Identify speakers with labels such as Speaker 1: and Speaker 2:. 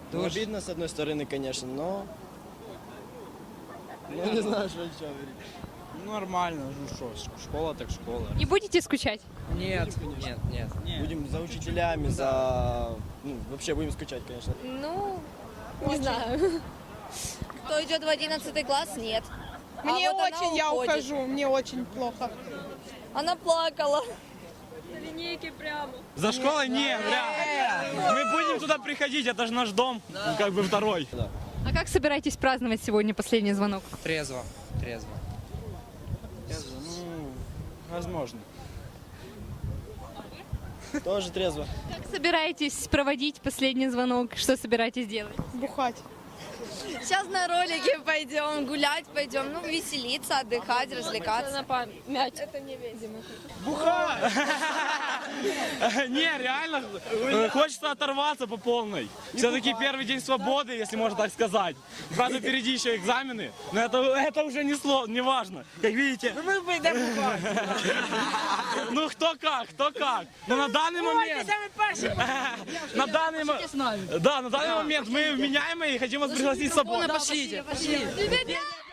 Speaker 1: Ну, обидно, с одной стороны, конечно, но... Ну, не знаю, что еще говорить.
Speaker 2: Нормально, ну что, школа так школа.
Speaker 3: Не будете скучать?
Speaker 2: Нет, нет.
Speaker 1: Будем за учителями, за... Ну, вообще будем скучать, конечно.
Speaker 4: Ну, не знаю. Кто идет в 11 класс, нет.
Speaker 5: Мне
Speaker 4: вот она
Speaker 5: очень, я
Speaker 4: уходит.
Speaker 5: ухожу, мне очень плохо.
Speaker 4: Она плакала.
Speaker 2: За школой нет, мы будем туда приходить, это же наш дом, как бы второй.
Speaker 3: А как собираетесь праздновать сегодня последний звонок?
Speaker 2: Трезво. Ну, возможно.
Speaker 1: Тоже трезво.
Speaker 3: Как собираетесь проводить последний звонок? Что собираетесь делать?
Speaker 5: Бухать.
Speaker 4: Сейчас на ролике пойдем, гулять пойдем, ну, веселиться, отдыхать, развлекаться.
Speaker 2: Не, реально, хочется оторваться по полной. Все-таки первый день свободы, если можно так сказать. Правда, впереди еще экзамены, но это уже не важно. Как видите... Ну, кто как. Но на данный момент... На данный момент мы вменяемые и хотим вас пригласить с собой.
Speaker 3: Пошлите.